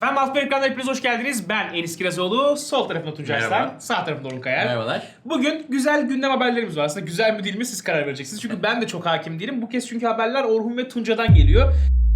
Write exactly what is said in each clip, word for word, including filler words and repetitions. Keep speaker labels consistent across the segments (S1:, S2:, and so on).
S1: Hem Altın Ekran'da hepiniz hoş geldiniz. Ben Enis Kirazoğlu, sol tarafımda Tuncay
S2: Merhaba.
S1: Arslan, sağ tarafımda Orhun Kayar.
S2: Merhabalar.
S1: Bugün güzel gündem haberlerimiz var. Aslında güzel mi değil mi siz karar vereceksiniz. Çünkü ben de çok hakim değilim. Bu kez çünkü haberler Orhun ve Tuncay'dan geliyor.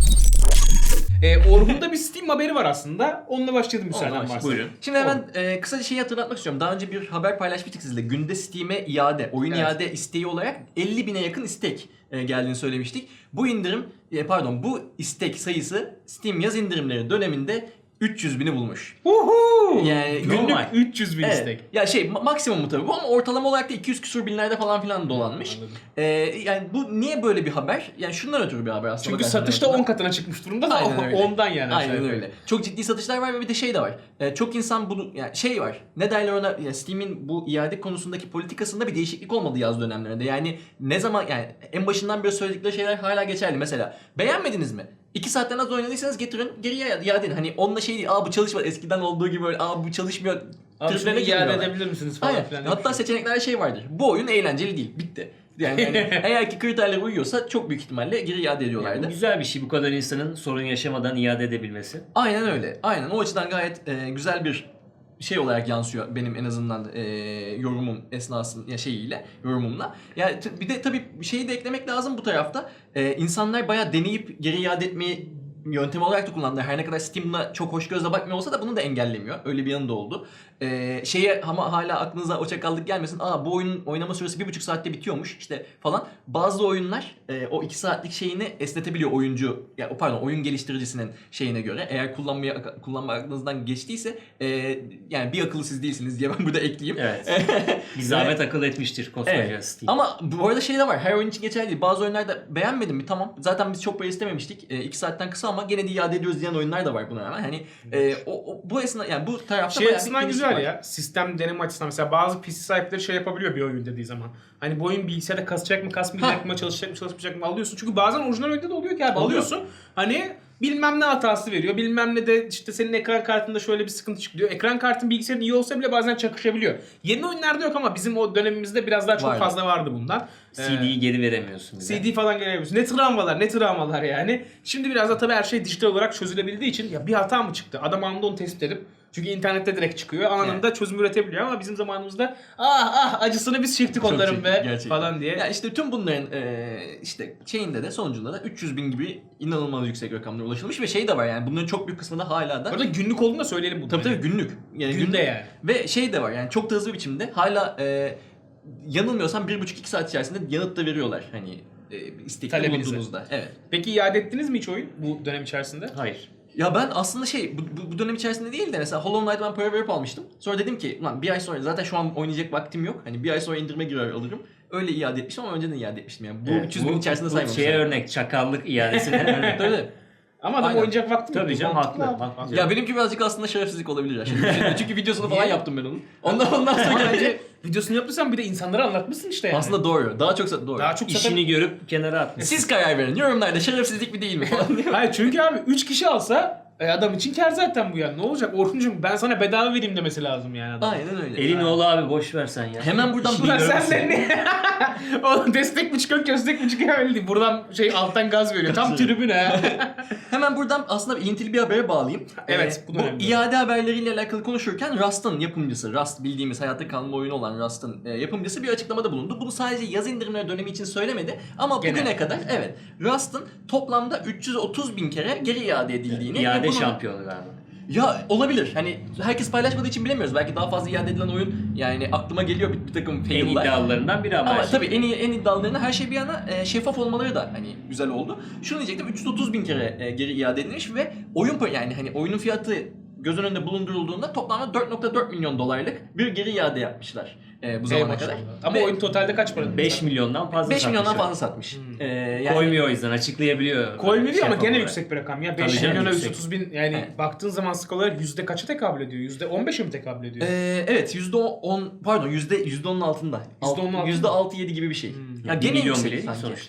S1: Ee, Orhun'da bir Steam haberi var aslında. Onunla başlayalım müsaaden
S2: Onunla
S1: varsa.
S2: Buyurun. Şimdi hemen e, kısaca şeyi hatırlatmak istiyorum. Daha önce bir haber paylaşmıştık sizle. Günde Steam'e iade, oyun
S1: Evet.
S2: iade isteği olarak elli bine yakın istek e, geldiğini söylemiştik. Bu indirim, e, pardon bu istek sayısı Steam yaz indirimleri döneminde üç yüz bini bulmuş.
S1: Uhu!
S2: Yani
S1: Günlük
S2: normal.
S1: üç yüz bin
S2: Evet.
S1: istek.
S2: Ya şey ma- maksimumu tabii bu ama ortalama olarak da iki yüz küsur binlerde falan filan dolanmış.
S1: Anladım.
S2: E, yani bu niye böyle bir haber? Yani şundan ötürü bir haber aslında.
S1: Çünkü
S2: bakarsan
S1: satışta
S2: aslında.
S1: on katına çıkmış durumda da
S2: Aynen öyle.
S1: ondan yani.
S2: Aynen
S1: aşağı
S2: öyle.
S1: yukarı.
S2: Çok ciddi satışlar var ve bir de şey de var. Ee, çok insan bunu yani şey var. Ne derler ona? Yani Steam'in bu iade konusundaki politikasında bir değişiklik olmadı yaz dönemlerinde. Yani ne zaman yani en başından beri söyledikleri şeyler hala geçerli. Mesela beğenmediniz mi? İki saatten az oynadıysanız getirin geriye iade edin. Hani onunla şey değil. Aa bu çalışmadı. Eskiden olduğu gibi böyle aa bu çalışmıyor.
S1: Abi şunu
S2: triplerine
S1: iade
S2: girmiyorlar.
S1: edebilir misiniz falan
S2: Aynen.
S1: filan.
S2: Hatta seçeneklerde şey vardır. Bu oyun eğlenceli değil. Bitti. Yani, yani eğer ki kriterlere uyuyorsa çok büyük ihtimalle geri iade ediyorlardı.
S3: Bu güzel bir şey bu kadar insanın sorun yaşamadan iade edebilmesi.
S2: Aynen öyle. Aynen. O açıdan gayet e, güzel bir şey olarak yansıyor benim en azından e, yorumum esnasında ya şeyiyle yorumumla. Yani t- bir de tabii bir şeyi de eklemek lazım bu tarafta. E, insanlar bayağı deneyip geri iade etmeyi yöntem olarak da kullandılar. Her ne kadar Steam'la çok hoş gözle bakmıyor olsa da bunu da engellemiyor. Öyle bir yanı da oldu. Ee, şeye ama hala aklınıza o çakallık gelmesin. Aa bu oyunun oynama süresi bir buçuk saatte bitiyormuş işte falan. Bazı oyunlar e, o iki saatlik şeyini esnetebiliyor oyuncu. Ya yani, pardon oyun geliştiricisinin şeyine göre. Eğer kullanmaya kullanma aklınızdan geçtiyse e, yani bir akıllı siz değilsiniz diye ben burada ekleyeyim.
S3: Evet. Bir zahmet akıl etmiştir koskoca
S2: Evet.
S3: Steam.
S2: Ama bu arada şey de var. Her oyun için geçerli değil. Bazı oyunlarda beğenmedim mi? Tamam. Zaten biz çok para istememiştik. E, iki saatten kısa ama gene de iade ediyoruz diyen oyunlar da var buna rağmen. Hani e, o, o bu esna yani bu tarafta
S1: Şey
S2: bayağı
S1: açısından
S2: bir
S1: güzel
S2: var.
S1: ya. Sistem deneme açısından mesela bazı P C sahipleri şey yapabiliyor bir oyun dediği zaman. Hani bu oyun bilgisayarda kasacak mı, kasmayacak
S2: Ha.
S1: mı, çalışacak mı, çalışmayacak mı alıyorsun. Çünkü bazen orijinal oyunda da oluyor ki abi
S2: Oluyor.
S1: alıyorsun. Hani bilmem ne hatası veriyor. Bilmem ne de işte senin ekran kartında şöyle bir sıkıntı çıkıyor. Ekran kartın bilgisayarın iyi olsa bile bazen çakışabiliyor. Yeni oyunlarda yok ama bizim o dönemimizde biraz daha çok
S2: Vardı.
S1: fazla vardı bundan.
S3: C D'yi geri veremiyorsun bile.
S1: C D falan gelebiliyorsun. Ne travmalar, ne travmalar yani. Şimdi biraz da tabii her şey dijital olarak çözülebildiği için ya bir hata mı çıktı? Adam anında onu tespit edip çünkü internette direkt çıkıyor. Anında
S2: Evet.
S1: çözüm üretebiliyor ama bizim zamanımızda ah ah acısını biz çektik
S2: Çok
S1: onların
S2: çektik,
S1: be
S2: gerçekten.
S1: falan diye.
S2: Ya işte tüm bunların e, işte şeyinde de sonucunda da üç yüz bin gibi inanılmaz yüksek rakamlara ulaşılmış ve şey de var yani bunların çok büyük kısmı da hala da
S1: Orada günlük olduğunu da söyleyelim bunu.
S2: tabii tabii günlük. Yani
S1: Günde yani.
S2: Ve şey de var yani çok da hızlı biçimde hala e, yanılmıyorsam bir buçuk iki saat içerisinde yanıt da veriyorlar hani e, istekli
S1: Talebinize.
S2: bulunduğunuzda. Evet.
S1: Peki iade ettiniz mi hiç oyun bu dönem içerisinde?
S3: Hayır.
S2: Ya ben aslında şey bu, bu, bu dönem içerisinde değil de mesela Hollow Knight'ı ben para verip almıştım. Sonra dedim ki ulan bir ay sonra zaten şu an oynayacak vaktim yok. Hani bir ay sonra indirime girer alırım. Öyle iade etmiştim ama önceden iade etmiştim yani. Bu
S3: Evet,
S2: üç yüz bin içerisinde
S3: bu
S2: saymamışım.
S3: şeye örnek, çakallık iadesine örnek.
S2: Tabii.
S1: Ama adam
S2: Aynen.
S1: oynayacak vaktim yok.
S3: Tabii canım,
S1: Mantıklı
S3: haklı,
S1: abi.
S3: haklı.
S2: Ya benimki birazcık aslında şerefsizlik olabilir ya. Şimdi düşündüm. Çünkü videosunu falan
S1: Niye?
S2: yaptım ben onun. Ondan ondan sonra
S1: Ama
S2: geldi.
S1: bence videosunu yapmışsan bir de insanlara anlatmışsın işte yani.
S2: Aslında doğru. Daha çok doğru.
S1: daha çok zaten...
S3: İşini görüp kenara atmış.
S2: Siz karar verin. Yorumlarda şerefsizlik mi değil mi falan diye.
S1: Hayır çünkü abi üç kişi alsa e, adam için kar zaten bu yani. Ne olacak Orhuncuğum ben sana bedava vereyim demesi lazım yani adam.
S2: Aynen öyle.
S3: Elin oğlu abi boş ver sen ya.
S2: Hemen buradan
S1: Ulan
S2: bir
S1: sen de ne? Oğlum destek mi çıkıyor, köstek mi çıkıyor belli değil. Buradan şey alttan gaz veriyor. Tam tribüne ha.
S2: Hemen buradan aslında ilintili bir habere bağlayayım.
S1: Evet, bu
S2: bu,
S1: da
S2: bu
S1: önemli.
S2: iade haberleriyle alakalı konuşurken Rust'ın yapımcısı, Rust bildiğimiz hayatta kalma oyunu olan Rust'ın e, yapımcısı bir açıklamada bulundu. Bunu sadece yaz indirimleri dönemi için söylemedi ama
S1: Genel.
S2: bugüne kadar evet Rust'ın toplamda üç yüz otuz bin kere geri iade edildiğini ve
S3: İade
S2: bunun-
S3: şampiyonu galiba.
S2: Ya olabilir. Hani herkes paylaşmadığı için bilemiyoruz. Belki daha fazla iade edilen oyun yani aklıma geliyor bir, bir takım
S3: En
S2: fail'lar.
S3: iddialılarından biri ama.
S2: Ama
S3: her şey.
S2: tabii en iyi en iddialarına her şey bir yana e, şeffaf olmaları da hani güzel oldu. Şunu diyecektim üç yüz otuz bin kere e, geri iade edilmiş ve oyun pa- yani hani oyunun fiyatı göz önünde bulundurulduğunda toplamda dört nokta dört milyon dolarlık bir geri iade yapmışlar e, bu zamana
S1: Eyvallah.
S2: kadar.
S1: Ama
S2: Ve
S1: oyun totalde kaç para?
S3: beş milyondan fazla
S2: beş milyondan
S3: satmışlar.
S2: fazla satmış.
S1: Hmm.
S2: E, yani
S3: Koymuyor o yüzden açıklayabiliyor.
S1: Koymuyor ama
S3: Şeffaf
S1: gene
S3: olarak.
S1: yüksek bir rakam ya.
S3: Tabii
S1: beş
S3: canım,
S1: milyona
S3: yüksek.
S1: yüz otuz bin yani
S2: Evet.
S1: baktığın zaman sık olarak yüzde kaça tekabül ediyor? yüzde on beşe mi tekabül ediyor?
S2: e, evet yüzde on pardon yüzde yüzde onun altında.
S1: yüzde onun altında.
S2: yüzde altı yedi gibi bir şey.
S1: Hmm.
S2: Ya
S3: Bir
S2: gene
S3: milyon
S2: yüksek
S3: bile değil
S2: sanki.
S3: sonuçta.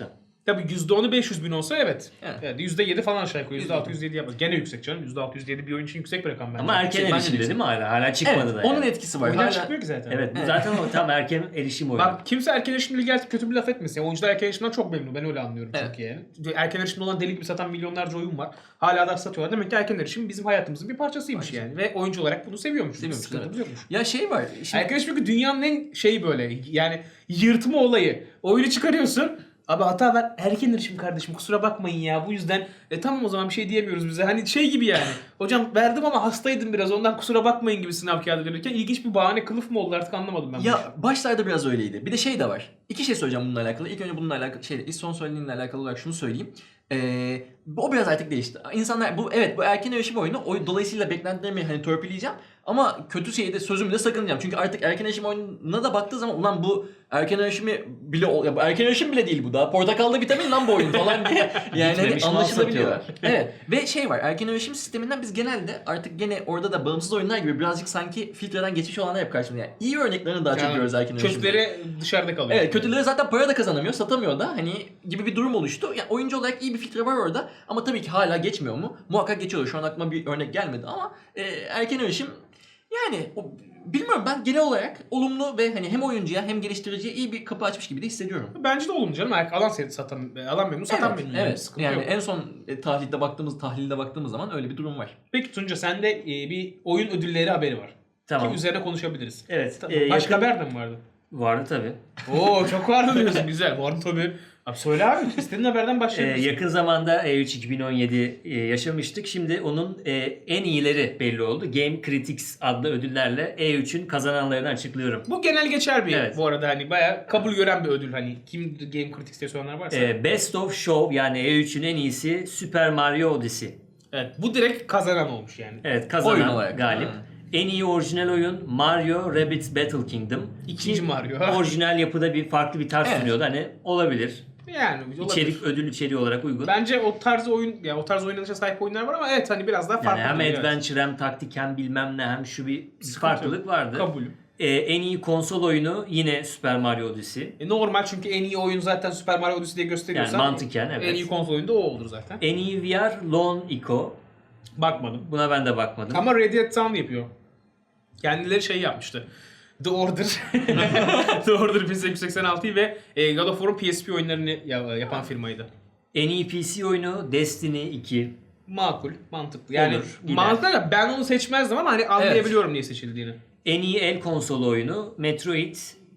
S1: Tabii yüzde onu beş yüz bin olsa evet.
S2: Evet.
S1: Evet. yüzde yedi falan aşağı yukarı. yüzde altı yüzde yedi yapmaz. Gene yüksek canım. yüzde altı yüzde yedi bir oyun için yüksek bir rakam bence.
S3: Ama erken
S2: Yüksek, bence de
S3: erişimde değil mi hala? Hala çıkmadı
S2: Evet,
S3: da.
S2: onun
S3: yani.
S2: etkisi var.
S1: Oyunlar
S2: Hala-
S1: çıkmıyor ki zaten.
S3: Evet, bu
S2: Evet.
S3: zaten o tam erken erişim oyunu.
S1: Bak kimse erken erişimle ilgili kötü bir laf etmesin. Yani oyuncular erken erişimden çok memnun. Ben öyle anlıyorum
S2: Evet.
S1: çünkü yani. Erken erişimde olan deli gibi satan milyonlarca oyun var. Hala da satıyorlar. Demek ki erken erişim bizim hayatımızın bir parçasıymış
S2: Parçası.
S1: yani. Ve oyuncu olarak bunu seviyormuş.
S2: Seviyormuş,
S1: Sıkıntımız
S2: evet.
S1: yokmuş.
S2: Ya şey var. Şimdi
S1: Erken erişim çünkü dünyanın en şeyi böyle yani yırtma olayı. Oyunu çıkarıyorsun. Abi hata ver. Erken erişim kardeşim kusura bakmayın ya. Bu yüzden e, tamam o zaman bir şey diyemiyoruz bize. Hani şey gibi yani. Hocam verdim ama hastaydım biraz ondan kusura bakmayın gibi sınav kağıdı verirken ilginç bir bahane kılıf mı oldu artık anlamadım ben. bu işi.
S2: ya başlarda biraz öyleydi. Bir de şey de var. İki şey söyleyeceğim bununla alakalı. İlk önce bununla alakalı şey, ilk son söylediğinle alakalı olarak şunu söyleyeyim. Ee, o biraz artık değişti. İnsanlar bu evet bu erken erişim oyunu o, dolayısıyla beklentilerimi hani törpüleyeceğim ama kötü şeyde sözümü de sakınacağım. Çünkü artık erken erişim oyununa da baktığı zaman ulan bu erken erişimi bile ol- ya bu erken erişim bile değil bu da. Portakallı vitamin lan bu oyun falan diye. Yani hani
S3: Bitmemiş mal
S2: anlaşılabiliyor.
S3: satıyorlar.
S2: Evet. Ve şey var. Erken erişim sisteminden biz genelde artık gene orada da bağımsız oyunlar gibi birazcık sanki filtreden geçmiş olanlar hep karşımıza. Yani iyi örneklerini daha çok
S1: Yani
S2: görüyoruz erken erişimde.
S1: kötüleri dışarıda kalıyor.
S2: Evet, kötüleri zaten para da kazanamıyor, satamıyor da hani gibi bir durum oluştu. Yani oyuncu olarak iyi bir filtre var orada ama tabii ki hala geçmiyor mu? Muhakkak geçiyor. Şu an aklıma bir örnek gelmedi ama e, erken erişim yani o, bilmiyorum ben genel olarak olumlu ve hani hem oyuncuya hem geliştiriciye iyi bir kapı açmış gibi de hissediyorum.
S1: Bence de olumlu canım. Ayak alan se- satan, alan memnun, satan
S2: evet,
S1: memnun. Yani.
S2: evet.
S1: Sıkıntı
S2: Yani
S1: yok.
S2: en son e, tahlilde baktığımız tahlilde baktığımız zaman öyle bir durum var.
S1: Peki Tunca sende e, bir oyun ödülleri haberi var.
S3: Tamam.
S1: Ki üzerine konuşabiliriz.
S3: Evet.
S1: Tamam.
S3: e,
S1: Başka
S3: yakın-
S1: haber de mi vardı?
S3: Vardı tabii.
S1: Oo çok vardı diyorsun. Güzel. Vardı tabii. Abi söyle abi. İstediğin haberden
S3: Ee,
S1: başlayabiliriz.
S3: yakın zamanda E üç iki bin on yedi e, yaşamıştık. Şimdi onun e, en iyileri belli oldu. Game Critics adlı ödüllerle E üçün kazananlarını açıklıyorum.
S1: Bu genel geçer bir
S3: Evet.
S1: bu arada hani bayağı kabul gören bir ödül hani kim Game Critics diye soranlar varsa.
S3: E, Best of Show yani E üçün en iyisi Super Mario Odyssey.
S1: Evet bu direkt kazanan olmuş yani.
S3: Evet kazanan
S2: Oyun olarak.
S3: galip.
S2: Ha.
S3: En iyi orijinal oyun Mario Rabbids Battle Kingdom.
S1: İkinci
S3: Ki
S1: Mario.
S3: Orijinal yapıda bir farklı bir tarz
S2: Evet.
S3: sunuyordu. Hani olabilir.
S1: Yani olabilir.
S3: İçerik ödül içeriği olarak uygun.
S1: Bence o tarz oyun ya o tarz oynanışa sahip oyunlar var ama evet hani biraz daha
S3: Yani
S1: farklı.
S3: hem
S1: duruyor, evet.
S3: adventure hem taktik hem bilmem ne hem şu bir
S1: Sıkıntı
S3: farklılık
S1: yok.
S3: vardı.
S1: Kabul.
S3: Ee, en iyi konsol oyunu yine Super Mario Odyssey.
S1: E, normal çünkü en iyi oyun zaten Super Mario Odyssey diye gösteriyorsan.
S3: Yani mantıken, evet.
S1: En iyi konsol oyunu da o olur zaten.
S3: En iyi V R Lone Echo.
S1: Bakmadım.
S3: Buna ben de bakmadım.
S1: Ama Red Dead Town yapıyor. Kendileri şey yapmıştı. The Order. The Order bin sekiz yüz seksen altıyı ve e, God of War'un P S P oyunlarını ya- yapan firmaydı.
S3: En iyi P C oyunu Destiny iki.
S1: Makul, mantıklı. Yani
S3: Olur, gider.
S1: mantıklı da ben onu seçmezdim ama hani anlayabiliyorum niye seçildiğini.
S3: En iyi el konsolu oyunu Metroid.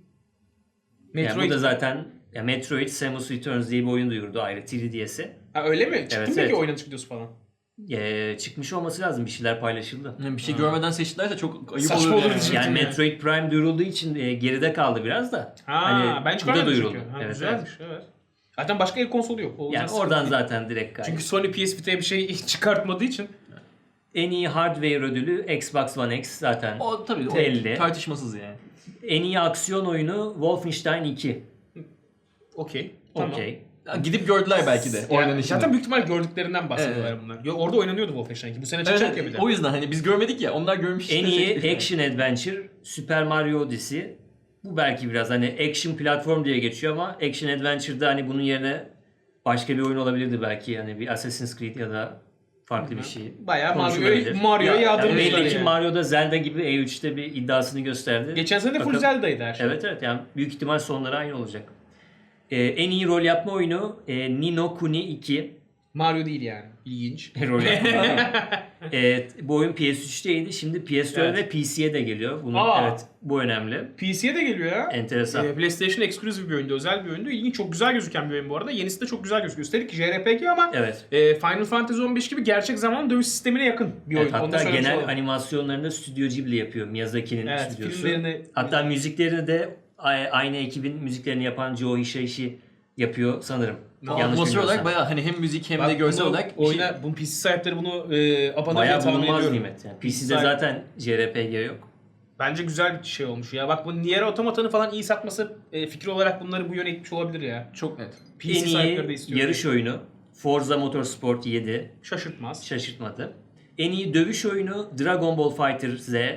S3: Yani
S1: Metroid.
S3: bu da zaten ya Metroid Samus Returns diye bir oyun duyurdu ayrı üç D S'e.
S1: Ha, öyle mi? Çıktı
S3: Evet,
S1: mı peki
S3: evet.
S1: oynanış videosu falan?
S3: Ee, çıkmış olması lazım, bir şeyler paylaşıldı.
S2: Yani bir şey görmeden seçtilerse çok ayıp
S1: Saçma
S2: olur
S1: olur
S2: yani.
S1: diyecektim.
S3: Yani
S1: yani.
S3: Metroid Prime duyurulduğu için e, geride kaldı biraz da.
S1: Ha,
S3: Hani
S1: ben
S3: bu da
S1: çıkarmadım
S3: duyuruldu.
S1: çünkü. Ha,
S3: Evet,
S1: güzelmiş, evet. Zaten başka el konsolu yok. O
S3: Yani
S1: yüzden
S3: oradan
S1: sıkıntı değil.
S3: zaten direkt kaydı.
S1: Çünkü Sony P S Vita'ya bir şey çıkartmadığı için.
S3: En iyi hardware ödülü Xbox One X zaten.
S2: O tabii o
S3: Belli.
S2: tartışmasız yani.
S3: En iyi aksiyon oyunu Wolfenstein iki.
S1: Okey. Tamam.
S3: Okey.
S2: Ya gidip gördüler belki de
S1: Yani
S2: oynanışını.
S1: zaten büyük ihtimal gördüklerinden bahsediyorlar
S2: Evet.
S1: bunlar. Yo, orada oynanıyordu Wolfenstein iki. Bu sene
S2: Evet,
S1: çıkacak ya bir de.
S2: o yüzden hani biz görmedik ya onlar görmüş.
S3: En
S2: işte
S3: iyi
S2: seçmiş.
S3: action adventure Super Mario Odyssey. Bu belki biraz hani action platform diye geçiyor ama action adventure'da hani bunun yerine başka bir oyun olabilirdi belki. Hani bir Assassin's Creed ya da farklı bir şey.
S1: Bayağı Mario'yu
S3: konuşulabilir.
S1: Mario'ya
S2: Ya,
S3: Yani
S1: yağdırmışlar
S3: belli ki
S1: yani.
S3: Mario'da Zelda gibi E üçte bir iddiasını gösterdi.
S1: Geçen sene de full
S3: Bakalım.
S1: Zelda'ydı her şey.
S3: Evet evet, yani büyük ihtimal sonları aynı olacak. Ee, en iyi rol yapma oyunu e, Ni no Kuni iki.
S1: Mario değil yani. İlginç.
S3: Rol yapma oyunu. Evet, bu oyun P S üçteydi. Şimdi P S dört
S1: Evet.
S3: ve P C'ye de geliyor. Bunun,
S1: Aa.
S3: evet, bu önemli.
S1: P C'ye de geliyor ya.
S3: Enteresan.
S1: Ee, PlayStation Exclusive bir oyundu, özel bir oyundu. İlginç, çok güzel gözüken bir oyun bu arada. Yenisi de çok güzel gözüküyor. Üstelik J R P G ama
S3: Evet.
S1: e, Final Fantasy on beş gibi gerçek zamanlı dövüş sistemine yakın bir oyun.
S3: Evet,
S1: Onu da
S3: hatta
S1: söylemiş
S3: genel
S1: olalım.
S3: animasyonlarını da Stüdyo Ghibli yapıyor. Miyazaki'nin
S1: Evet,
S3: stüdyosu.
S1: filmlerini-
S3: Hatta müziklerini de a- aynı ekibin müziklerini yapan Joe Hisaishi yapıyor sanırım.
S1: Aa,
S3: Yanlış
S2: Atmosfer olarak
S3: bilmiyorsam.
S2: bayağı hani hem müzik hem
S1: Bak,
S2: de görsel
S1: bunu
S2: olarak bir şey-
S1: oyuna, bu P C sahipleri bunu e, abone
S3: Bayağı
S1: tahmin
S3: bulunmaz
S1: ediyorum.
S3: nimet. Yani P C'de
S1: Sahip-
S3: zaten J R P G yok.
S1: Bence güzel bir şey olmuş ya. Bak bu Nier Automata'nın falan iyi satması e, fikri olarak bunları bu yöne itmiş olabilir ya.
S2: çok net.
S1: P C
S3: En
S1: sahipleri de
S3: iyi
S1: istiyor.
S3: yarış oyunu Forza Motorsport yedi.
S1: Şaşırtmaz.
S3: Şaşırtmadı. En iyi dövüş oyunu Dragon Ball Fighter Z.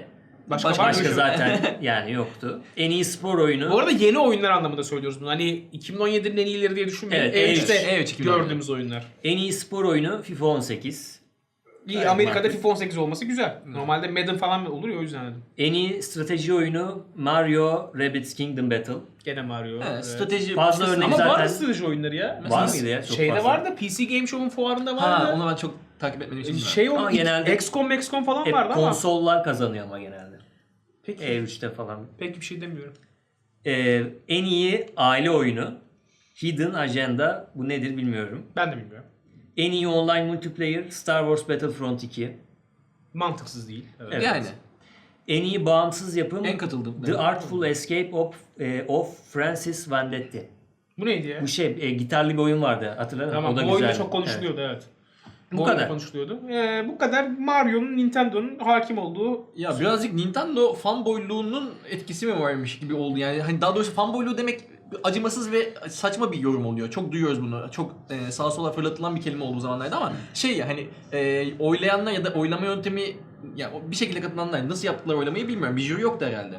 S1: Başka,
S2: Başka-
S1: var mı?
S3: Başka
S1: Yok.
S3: zaten yani yoktu. En iyi spor oyunu.
S1: Bu arada yeni oyunlar anlamında söylüyoruz bunu. Hani iki bin on yedinin en iyileri diye düşünmeyin.
S3: Evet,
S1: E
S3: E üç.
S1: üçte
S2: E üç iki bin on yedi.
S1: gördüğümüz oyunlar.
S3: En iyi spor oyunu FIFA on sekiz.
S1: İyi,
S3: Evet,
S1: Amerika'da
S3: mantıklı.
S1: FIFA on sekiz olması güzel. Normalde Madden falan olur ya, o yüzden dedim.
S3: En iyi strateji oyunu Mario Rabbids Kingdom Battle.
S1: Gene Mario.
S2: Evet,
S1: Evet.
S2: strateji
S3: Fazla
S2: başkası-
S3: örnek
S1: Ama
S3: zaten-
S1: vardı strateji oyunları ya.
S3: Var
S1: P C
S3: mıydı ya? Çok
S1: Şeyde
S3: fazla.
S1: vardı. P C Game Show'un fuarında vardı.
S2: Ha, onu ben çok takip etmediğim için bilmiyorum.
S1: Şey
S3: Ama
S1: o
S3: genelde-
S1: X COM, X COM falan
S3: Hep
S1: vardı ama.
S3: konsollar kazanıyor ama genelde.
S1: Peki,
S3: E üçte falan.
S1: peki bir şey demiyorum.
S3: Ee, en iyi aile oyunu Hidden Agenda. Bu nedir bilmiyorum.
S1: Ben de bilmiyorum.
S3: En iyi online multiplayer Star Wars Battlefront iki.
S1: Mantıksız değil. Evet.
S3: Evet.
S2: Yani
S3: En iyi bağımsız yapım
S2: en katıldım.
S3: The Artful Escape of, e, of Francis Vendetti.
S1: Bu neydi ya?
S3: Bu şey e, gitarlı bir oyun vardı, hatırladın mı?
S1: Tamam,
S3: O da
S1: bu oyunda
S3: güzeldi.
S1: çok konuşuluyordu, evet.
S3: Bu
S1: Bu oyunda
S3: kadar.
S1: konuşuluyordu. Ee, bu kadar Mario'nun, Nintendo'nun hakim olduğu.
S2: Ya birazcık Nintendo fanboyluğunun etkisi mi varmış gibi oldu yani. Hani daha doğrusu fanboyluğu demek acımasız ve saçma bir yorum oluyor. Çok duyuyoruz bunu. Çok e, sağa sola fırlatılan bir kelime olduğu zamanlarda ama şey ya hani e, oylayanlar ya da oylama yöntemi ya bir şekilde katılanlar nasıl yaptılar oylamayı bilmiyorum. Bir jüri yoktu herhalde.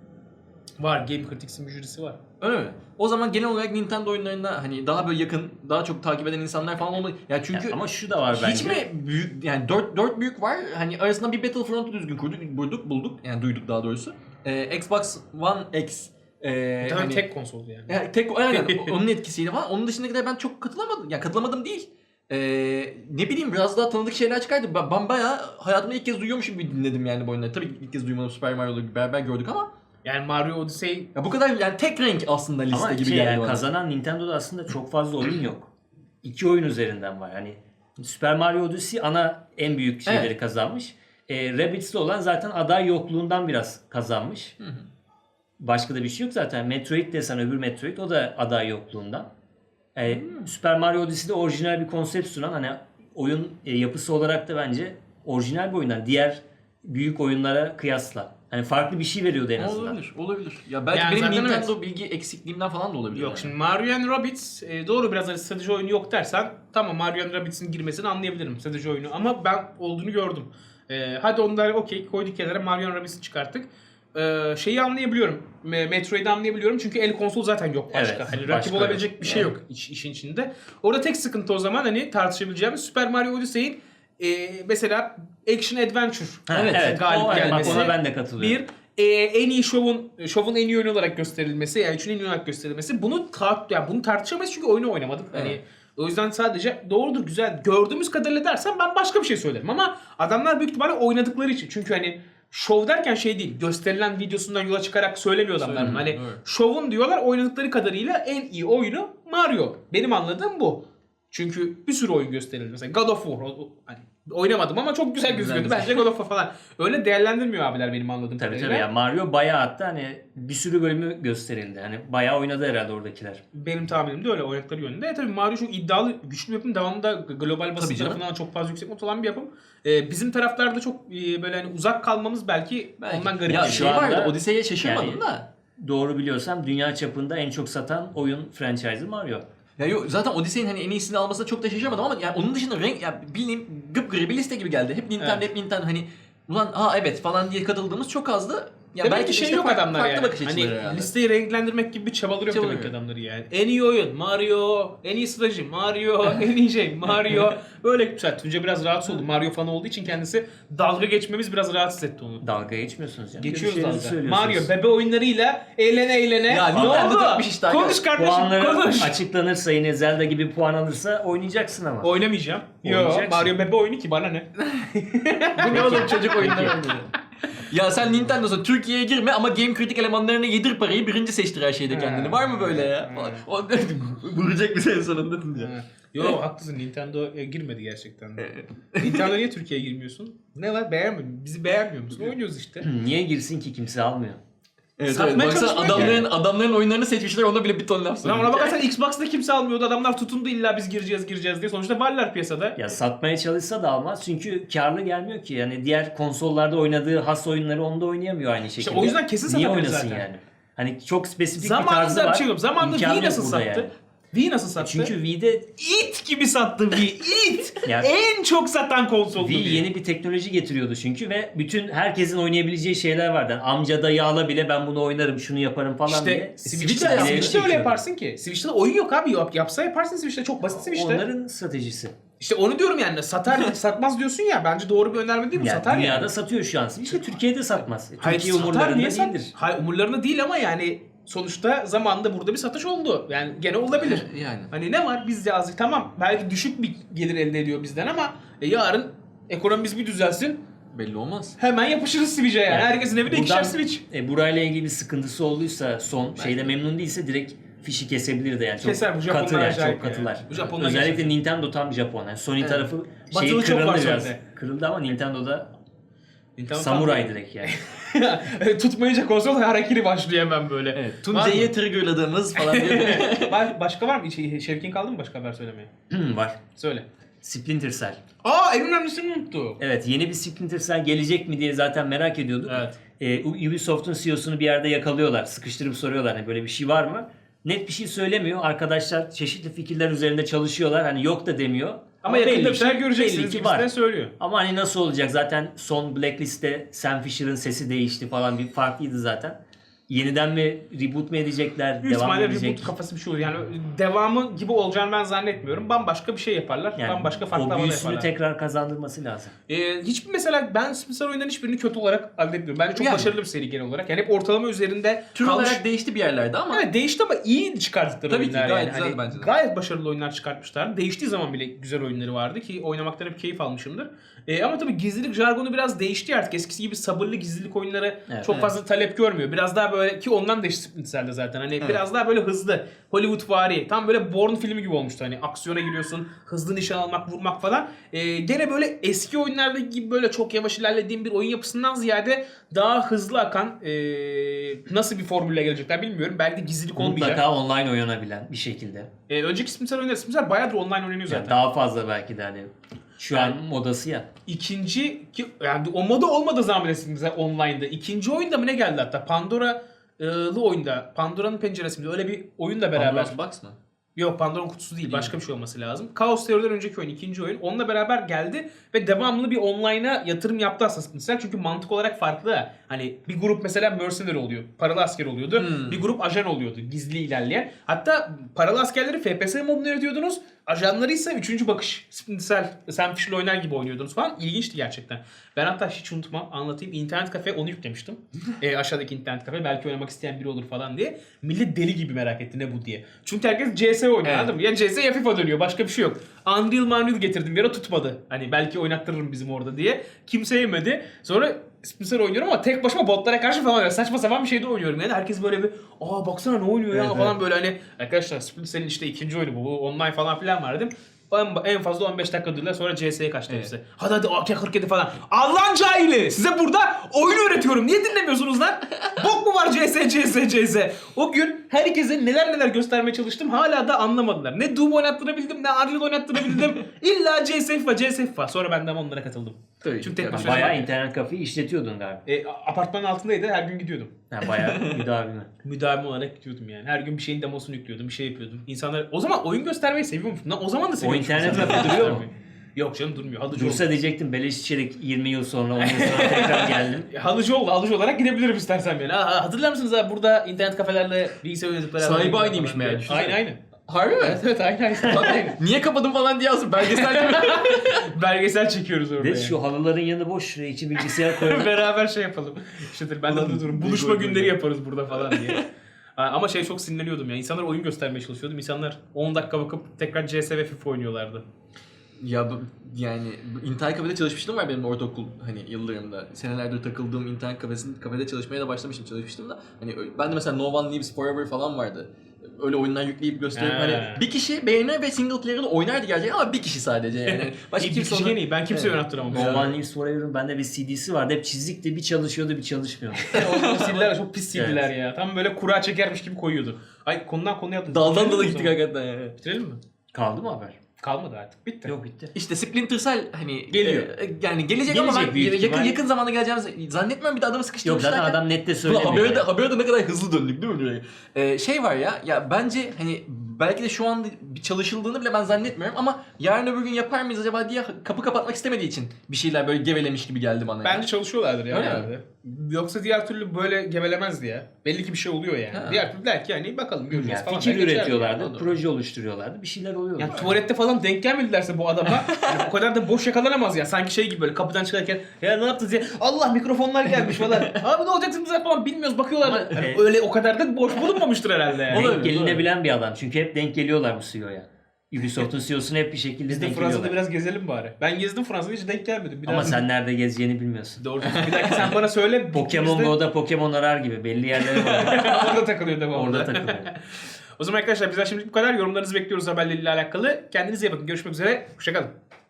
S1: Var, Game Critics'in bir jürisi var.
S2: Öyle mi? O zaman genel olarak Nintendo oyunlarında hani daha böyle yakın, daha çok takip eden insanlar falan olmalı. Ya çünkü
S3: Ya ama şu da var bence.
S2: hiç mi büyük yani dört dört büyük var. Hani arasında bir Battlefront'u düzgün kurduk, bulduk, bulduk. Yani duyduk daha doğrusu. Ee, Xbox One X e,
S1: Tabii
S2: hani,
S1: tek konsoldu yani.
S2: yani tek aynen onun etkisiyle falan. Onun dışındakiler ben çok katılamadım. Ya katılamadım değil. Ee, ne bileyim biraz daha tanıdık şeyler çıkardı. Ben, ben bayağı hayatımda ilk kez duyuyormuşum gibi dinledim yani bu oyunları. Tabii ki ilk kez duymadım, Super Mario'ları beraber gördük ama
S1: Yani Mario Odyssey
S2: ya bu kadar yani tek renk aslında liste
S3: Ama
S2: gibi
S3: şey
S2: geldi
S3: yani
S2: bana.
S3: kazanan Nintendo'da aslında çok fazla oyun yok. İki oyun üzerinden var. Hani Super Mario Odyssey ana en büyük şeyleri
S2: Evet.
S3: kazanmış. E, Rabbids'li olan zaten aday yokluğundan biraz kazanmış.
S2: Hı hı.
S3: Başka da bir şey yok zaten. Metroid desen öbür Metroid o da aday yokluğundan. E, Super Mario Odyssey'de orijinal bir konsept sunan hani oyun e, yapısı olarak da bence orijinal bir oyundan. Diğer büyük oyunlara kıyasla. Hani farklı bir şey veriyordu en azından.
S2: Olabilir, olabilir. Ya belki
S1: Yani
S2: benim
S1: zaten
S2: Nintendo bilgi eksikliğimden falan da olabilir.
S1: yok.
S2: yani.
S1: Şimdi Mario and Rabbids e, doğru, biraz hani strateji oyunu yok dersen tamam, Mario and Rabbids'in girmesini anlayabilirim, strateji oyunu, ama ben olduğunu gördüm. E, hadi onları okey koyduk kenara, Mario and Rabbids'i çıkarttık. E, şeyi anlayabiliyorum. Me- Metroid'i anlayabiliyorum çünkü el konsol zaten yok başka.
S3: Evet,
S1: hani
S3: başka
S1: rakip olabilecek
S3: yok.
S1: bir şey
S3: Yani.
S1: yok iş, işin içinde. Orada tek sıkıntı o zaman hani tartışabileceğimiz Super Mario Odyssey'in e, mesela Action Adventure
S3: Ha,
S2: Evet,
S3: evet,
S1: galip
S3: o, evet, bak
S1: gelmesi.
S3: ona ben de katılıyorum.
S1: Bir, e, en iyi şovun şovun en iyi oyunu olarak gösterilmesi, yani üçün en iyi olarak gösterilmesi. Bunu tar yani bunu tartışamayız çünkü oyunu oynamadık. Hani
S2: Evet.
S1: o yüzden sadece doğrudur, güzel gördüğümüz kadarıyla dersen ben başka bir şey söylerim, ama adamlar büyük ihtimalle oynadıkları için. Çünkü hani şov derken şey değil, gösterilen videosundan yola çıkarak söylemiyor adamlar.
S2: Söylemiyor,
S1: Hani
S2: evet.
S1: şovun diyorlar, oynadıkları kadarıyla en iyi oyunu Mario. Benim anladığım bu. Çünkü bir sürü oyun gösterildi. Mesela God of War. o- o- Hani oynamadım ama çok güzel gözüküyordu.
S2: güzel.
S1: Bence God of War falan. Öyle değerlendirmiyor abiler benim anladığım
S3: Tabii
S1: kadarıyla.
S3: tabii ya Mario bayağı, hatta hani bir sürü bölümü gösterildi. Hani bayağı oynadı herhalde oradakiler.
S1: Benim tahminim de öyle oynadıkları yönünde. E tabii Mario çok iddialı, güçlü bir yapım. Devamında global basın
S2: Tabii canım.
S1: tarafından çok fazla yüksek not olan bir yapım. Ee, bizim taraflarda çok e, böyle hani uzak kalmamız belki,
S2: Belki.
S1: ondan garip
S2: Ya
S1: bir
S3: şu
S2: şey
S1: şey.
S3: anda-
S2: vardı, Odyssey'e şaşırmadım
S3: yani-
S2: da.
S3: Doğru biliyorsam dünya çapında en çok satan oyun franchise'ı Mario.
S2: Ya yok zaten Odyssey'in hani en iyisini almasına çok da şaşırmadım ama yani onun dışında renk ya bildiğim gıpgırı bir liste gibi geldi. Hep Nintendo,
S1: Evet.
S2: hep Nintendo hani ulan ha evet falan diye katıldığımız çok azdı. Ya
S1: Demek
S2: belki
S1: ki şey
S2: işte
S1: yok
S2: farklı,
S1: adamlar
S2: farklı
S1: yani.
S2: bakış
S1: Hani
S2: açıları herhalde.
S1: listeyi renklendirmek gibi bir çabaları yok
S2: Çabaları
S1: demek ki
S2: yok.
S1: adamları yani. En iyi oyun Mario, en iyi strateji Mario, en iyi şey Mario. Böyle güzel. Tunca biraz rahatsız oldu. Mario fanı olduğu için kendisi, dalga geçmemiz biraz rahatsız etti onu.
S3: Dalga geçmiyorsunuz yani.
S1: Geçiyoruz
S3: Görüşlerinizi
S1: dalga.
S3: söylüyorsunuz.
S1: Mario bebe oyunlarıyla eğlene eğlene.
S2: Ya
S1: ne
S2: Nintendo
S1: oldu?
S2: takmış işte
S1: Konuş
S2: arkadaşlar.
S1: kardeşim,
S3: Puanları
S1: konuş.
S3: açıklanırsa, yine Zelda gibi puan alırsa oynayacaksın ama.
S1: Oynamayacağım. Yo,
S3: Oynayacaksın.
S1: Mario bebe oyunu ki, bana ne?
S2: Bu ne oğlum çocuk oyunları oynuyor. Ya sen Nintendo'sun, Türkiye'ye girme ama Game Critic elemanlarına yedir parayı, birinci seçtir her şeyde kendini. Var mı böyle ya? O vuracak bir senin sonunda Tunca.
S1: Ha. Yo, haklısın, Nintendo'ya girmedi gerçekten. Nintendo niye Türkiye'ye girmiyorsun? Ne var, beğenmiyor Bizi beğenmiyor musun? Oynuyoruz işte.
S3: Niye girsin ki, kimse almıyor.
S2: Evet,
S1: Satmaya
S2: evet. Baksana
S1: çalışmıyor
S2: adamların, adamların oyunlarını seçmişler, ona bile bir ton laf
S1: Ulan
S2: söylüyor.
S1: ona bakarsan Xbox'ta kimse almıyordu. Adamlar tutundu, illa biz gireceğiz gireceğiz diye. Sonuçta varlar piyasada.
S3: Ya satmaya çalışsa da almaz çünkü karlı gelmiyor ki. Yani diğer konsollarda oynadığı has oyunları onda oynayamıyor aynı şekilde.
S1: o yüzden kesin
S3: Niye
S1: satabilir
S3: oynasın
S1: zaten.
S3: yani? Hani çok spesifik bir
S1: Zamanında
S3: tarzı var.
S1: bir şey yok. Zamanında
S3: İmkanı
S1: Wii
S3: yok
S1: nasıl
S3: burada
S1: sattı?
S3: yani.
S1: Wii nasıl sattı?
S3: Çünkü Wii'de
S1: it gibi sattı Wii. It.
S3: Yani-
S1: En çok satan konsoldu
S3: Wii
S1: Wii.
S3: yeni bir teknoloji getiriyordu çünkü ve bütün herkesin oynayabileceği şeyler vardı. Yani amca dayı ala bile ben bunu oynarım, şunu yaparım falan diye.
S1: İşte Switch'te,
S3: ileri
S1: Switch'te öyle
S3: çekiyordu.
S1: yaparsın ki. Switch'te de oyun yok abi. Yap, yapsa yaparsın Switch'te. Çok basit Switch'te.
S3: Onların stratejisi.
S1: İşte onu diyorum yani. Satar satmaz diyorsun ya. Bence doğru bir önerme değil mi?
S3: Yani
S1: Satar
S3: dünyada
S1: yani.
S3: satıyor şu an. İşte Türkiye'de satmaz.
S1: Hayır,
S3: Türkiye
S1: satar,
S3: umurlarında
S1: niye sat-
S3: değildir.
S1: Hayır umurlarında değil ama yani sonuçta zamanında burada bir satış oldu. Yani gene olabilir.
S2: Yani.
S1: Hani ne var biz yazdık tamam belki düşük bir gelir elde ediyor bizden ama e, yarın ekonomimiz bir düzelsin
S2: Belli olmaz.
S1: hemen yapışırız Switch'e yani.
S3: Yani
S1: Herkesin evinde ikişer
S3: buradan,
S1: Switch.
S3: E, burayla ilgili bir sıkıntısı olduysa son şeyde memnun değilse direkt fişi kesebilir de yani çok
S1: Keser, bu Japonlar
S3: katı yani
S1: acayip
S3: çok
S1: ya.
S3: katılar.
S1: Bu Japonlar
S3: Özellikle
S1: gerçekten.
S3: Nintendo tam Japon. Yani Sony
S2: Evet.
S3: tarafı
S1: Batılı
S3: şeyi
S1: çok var
S3: kırıldı biraz.
S1: Sony'de.
S3: Kırıldı ama Nintendo'da
S1: Nintendo
S3: samuray direkt yani.
S1: tam- Tutmayınca konsol harekiri başlıyor hemen böyle.
S2: Evet.
S1: Var
S2: Tuncay'ı
S1: mı?
S2: triggerladığımız falan diyor.
S1: Ba- başka var mı? Şey, Şevkin kaldı mı başka haber söylemeye?
S3: Var.
S1: Söyle.
S3: Splinter Cell.
S1: Aa en önemlisini unuttu.
S3: Evet, yeni bir Splinter Cell gelecek mi diye zaten merak ediyorduk.
S1: Evet.
S3: Ee, Ubisoft'un C E O'sunu bir yerde yakalıyorlar. Sıkıştırıp soruyorlar hani böyle bir şey var mı? Net bir şey söylemiyor. Arkadaşlar çeşitli fikirler üzerinde çalışıyorlar. Hani yok da demiyor.
S1: Ama yakında
S3: belli
S1: bir şeyler
S3: ki-
S1: göreceksiniz
S3: belli ki
S1: gibisinden
S3: var.
S1: söylüyor.
S3: Ama hani nasıl olacak? Zaten son Blacklist'te Sam Fisher'ın sesi değişti falan, bir farklıydı zaten. Yeniden mi reboot mu edecekler?
S1: Büyük
S3: Devam mı
S1: ihtimalle
S3: edecek?
S1: reboot kafası bir şey olur. Yani devamı gibi olacağını ben zannetmiyorum. Bambaşka bir şey yaparlar.
S3: Yani
S1: Bambaşka farklı
S3: o
S1: havada
S3: büyüsünü
S1: yaparlar.
S3: tekrar kazandırması lazım.
S1: Ee, hiçbir mesela ben Splinter oyunların hiçbirini kötü olarak adletmiyorum. Bence çok
S2: Yani.
S1: başarılı bir seri genel olarak. Yani hep ortalama üzerinde
S2: Tür
S1: kalmış.
S2: olarak değişti bir yerlerde ama.
S1: Evet değişti ama iyi çıkarttıkları
S2: Tabii ki,
S1: oyunlar
S2: gayet
S1: yani.
S2: güzeldi
S1: Hani
S2: bence de.
S1: Gayet başarılı oyunlar çıkartmışlar. Değiştiği zaman bile güzel oyunları vardı ki oynamaktan hep keyif almışımdır. Ee, ama tabii gizlilik jargonu biraz değişti artık. Eskisi gibi sabırlı gizlilik oyunları
S3: Evet.
S1: çok
S2: Evet.
S1: fazla talep görmüyor. Biraz daha böyle ki ondan da işte Splinter Cell'de zaten. Hani biraz daha böyle hızlı. Hollywood-vari. Tam böyle Bourne filmi gibi olmuştu. Hani aksiyona giriyorsun. Hızlı nişan almak, vurmak falan. Ee, gene böyle eski oyunlardaki gibi böyle çok yavaş ilerlediğim bir oyun yapısından ziyade daha hızlı akan ee, nasıl bir formülle gelecekler bilmiyorum. Belki de gizlilik olmayacak.
S3: Mutlaka online oynanabilen bir şekilde.
S1: Ee, önceki Splinter oyunları Splinter bayağıdır online oynanıyor zaten.
S3: Yani daha fazla belki de hani şu an modası ya.
S1: İkinci ki yani o moda olmadığı zaman bile Splinter online'da. İkinci oyunda mı ne geldi hatta? Pandora'lı oyunda. Pandora'nın penceresi mi? Öyle bir oyunla beraber.
S2: Pandora's Box mı?
S1: Yok Pandora'nın kutusu değil. Başka bir şey olması lazım. Chaos Theory'den önceki oyun, ikinci oyun. Onunla beraber geldi ve devamlı bir online'a yatırım yaptı aslında Splinter. Çünkü mantık olarak farklı. Hani bir grup mesela mercenary oluyor. Paralı asker oluyordu.
S2: Hmm.
S1: Bir grup ajan oluyordu. Gizli ilerleyen. Hatta paralı askerleri F P S modunu yaratıyordunuz. Ajanları ise üçüncü bakış. Splinter Cell, Sam Fisher'la oynar gibi oynuyordunuz falan. İlginçti gerçekten. Ben hatta hiç unutmam. Anlatayım. İnternet kafe onu yüklemiştim. e, aşağıdaki internet kafe. Belki oynamak isteyen biri olur falan diye. Millet deli gibi merak etti ne bu diye. Çünkü herkes C S oynuyor
S2: Evet.
S1: anladın mı? Ya C S ya FIFA dönüyor. Başka bir şey yok. Unreal Unreal getirdim. Bir ara tutmadı. Hani belki oynattırırım bizim orada diye. Kimse yemedi. Sonra Splinter oynuyorum ama tek başıma botlara karşı falan oynuyorum. Saçma sapan bir şeyde oynuyorum yani. Herkes böyle bir aa baksana ne oynuyor ya
S2: Evet,
S1: falan böyle hani arkadaşlar Splinter'in işte ikinci oyunu bu. Bu online falan filan var dedim. Ben en fazla on beş dakika durdular sonra C S'ye kaçtı
S2: Evet.
S1: hepsi. Hadi hadi A K kırk yedi falan. Allah'ın cahili! Size burada oyun öğretiyorum. Niye dinlemiyorsunuz lan? Bok mu var C S, C S, C S? O gün herkese neler neler göstermeye çalıştım. Hala da anlamadılar. Ne Doom oynattırabildim ne Unreal oynattırabildim. İlla C S FIFA, C S FIFA. Sonra ben de ama onlara katıldım.
S2: Tabii.
S1: Çünkü tek
S2: Yani
S1: başına-
S3: Bayağı internet kafeyi işletiyordun galiba.
S1: E, apartmanın altındaydı. Her gün gidiyordum.
S3: Yani bayağı müdavimi.
S1: Müdavim olarak gidiyordum yani. Her gün bir şeyin demosunu yüklüyordum, bir şey yapıyordum. İnsanlar o zaman oyun göstermeyi seviyormuşum. Lan o zaman da seviyormuşum.
S3: internet
S1: İnsanlar
S3: kafe duruyor mu?
S1: göstermeyi. Yok canım durmuyor. Halıcı
S3: Dursa
S1: oldu.
S3: diyecektim beleş içerik yirmi yıl sonra on yıl sonra tekrar geldim.
S1: E, Halıcı oldu. Halıcı olarak gidebilirim istersen yani. Aa, hatırlar mısınız abi burada internet kafelerle bilgisayar oynadık beraber.
S2: Sahibi
S1: falan
S2: aynıymış
S1: diye.
S2: meğer, düşünsene.
S1: Aynı aynı.
S2: Harbi mi?
S1: Evet evet aynı aynı. aynı.
S2: Niye kapadın falan diye yazdım. Belgesel gibi.
S1: Belgesel çekiyoruz orada.
S3: Ve
S1: yani.
S3: şu halıların yanı boş. Şuraya içi bilgisayar koyalım.
S1: Beraber şey yapalım. İşte ben de
S2: Ulan,
S1: burada durum.
S2: bir
S1: Buluşma
S2: gol,
S1: günleri
S2: gol.
S1: yaparız burada falan diye. Ha, ama şey çok sinirleniyordum ya. İnsanlar oyun göstermeye çalışıyordum. İnsanlar on dakika bakıp tekrar C S ve FIFA oynuyorlardı.
S2: Ya bu, yani bu internet kafede çalışmıştım var benim ortaokul hani yıllarımda. Senelerdir takıldığım internet kafesinde kafede çalışmaya da başlamıştım, çalışmıştım da. Hani ben de mesela No One Lives Forever falan vardı. Öyle oyunlar yükleyip gösterip
S1: He.
S2: hani bir kişi beğenir ve single player'ını oynardı gerçekten ama bir kişi sadece yani. Başka
S1: bir
S2: kimse
S1: kişi
S2: onu...
S1: gene iyi. Ben kimseye
S2: Evet.
S1: yönettiremem.
S3: No One Lives Forever'ın bende bir C D'si vardı. Hep çizikti. Bir çalışıyordu bir çalışmıyordu.
S1: O siller çok pis sildiler ya. Tam böyle kura çekermiş gibi koyuyordu. Ay konudan konuya atladık.
S2: Daldan
S1: Bitirelim
S2: dala
S1: mi o
S2: gittik
S1: zaman?
S2: hakikaten yani.
S1: Bitirelim mi?
S3: Kaldı mı haber?
S1: Kalmadı artık. Bitti.
S3: Yok bitti.
S2: İşte Splinter Cell hani
S1: Geliyor.
S2: e, yani gelecek, ama
S3: Gelecek
S2: ben
S3: büyük
S2: yakın
S3: ihtimal.
S2: yakın zamanda geleceğimizi zannetmiyorum, bir de adamı
S3: Yok
S2: sıkıştırmışlar.
S3: zaten adam nette
S2: Ulan
S3: söylemiyor.
S2: haberde,
S3: yani.
S2: haberde ne kadar hızlı döndük değil mi? Ee, şey var ya, ya bence hani belki de şu an bir çalışıldığını bile ben zannetmiyorum ama yarın öbür gün yapar mıyız acaba diye kapı kapatmak istemediği için bir şeyler böyle gevelemiş gibi geldi bana.
S1: Bence
S2: yani.
S1: çalışıyorlardır ya.
S2: Öyle mi?
S1: herhalde. Yoksa diğer türlü böyle gevelemezdi ya. Belli ki bir şey oluyor yani.
S2: Ha.
S1: Diğer türlü der ki hani bakalım göreceğiz
S3: Yani
S1: falan.
S3: fikir
S1: der geçer
S3: üretiyorlardı,
S1: yani.
S3: proje oluşturuyorlardı. Bir şeyler oluyordu.
S1: Yani tuvalette falan denk gelmedilerse bu adama yani o kadar da boş yakalanamaz ya. Sanki şey gibi böyle kapıdan çıkarken ya ne yaptınız ya? Allah mikrofonlar gelmiş falan. Abi ne olacaksınız falan bilmiyoruz bakıyorlar.
S3: Ama,
S1: Yani
S3: e,
S1: öyle o kadar da boş bulunmamıştır herhalde yani.
S2: Olabilir.
S3: Denk gelinebilen bir adam. Çünkü hep denk geliyorlar bu C E O'ya. Ubisoft'un C E O'suna hep bir şekilde
S1: Biz de
S3: denk
S1: Fransa'da
S3: geliyorlar.
S1: biraz gezelim bari. Ben gezdim Fransa'da hiç denk gelmedim. Bir
S3: Ama
S1: daha-
S3: sen nerede gezeceğini bilmiyorsun.
S1: Doğru. Bir dakika sen bana söyle.
S3: Pokemon
S1: Biz de
S3: Go'da Pokemon arar gibi belli yerleri var.
S1: orada takılıyor devamlı.
S3: Orada takılıyor.
S1: O zaman arkadaşlar bizden şimdi bu kadar. Yorumlarınızı bekliyoruz haberleriyle alakalı. Kendinize iyi bakın. Görüşmek üzere. Hoşçakalın.